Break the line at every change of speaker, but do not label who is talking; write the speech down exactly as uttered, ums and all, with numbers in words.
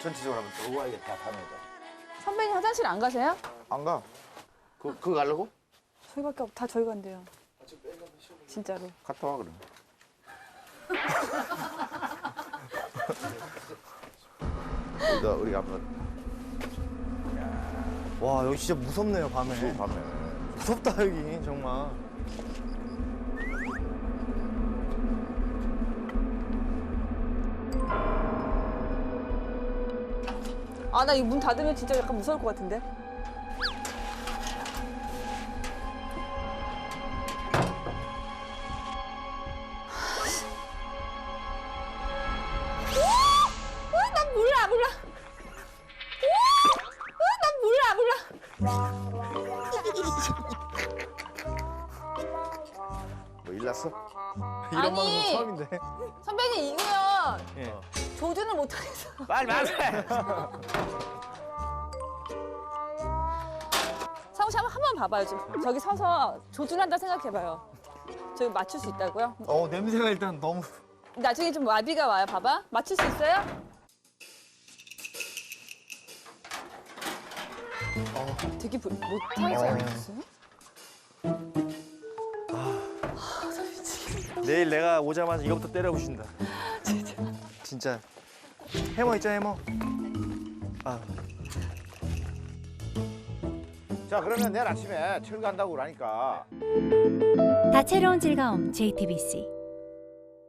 전체적으로 한번 더 우아하게 다 파면 돼.
선배님 화장실 안 가세요?
안 가. 그, 그거 가려고?
저희밖에 없, 다 저희 간대요. 진짜로.
갔다 와, 그럼. 우리가, 우리가 한번.
와 여기 진짜 무섭네요 밤에.
술 밤에.
무섭다 여기 정말.
아, 나 이 문 닫으면 진짜 약간 무서울 것 같은데? 난 몰라, 몰라. 난 몰라, 몰라.
뭐 일났어?
이런
아니.
방송 처음인데.
선배님, 이거요.
예.
조준을 못하겠어.
빨리 말해!
상우 씨 한번 한번 봐봐요. 지금. 저기 서서 조준한다 생각해봐요. 저기 맞출 수 있다고요?
어 냄새가 일단 너무.
나중에 좀 와비가 와요. 봐봐. 맞출 수 있어요?
어.
되게 부- 못하지
어.
않았어요?
내일 내가 오자마자 이거부터 때려부신다.
진짜.
진짜. 해머 있죠 해머. 아.
자, 그러면 내일 아침에 철 간다고 그러니까.
다채로운 즐거움 제이티비씨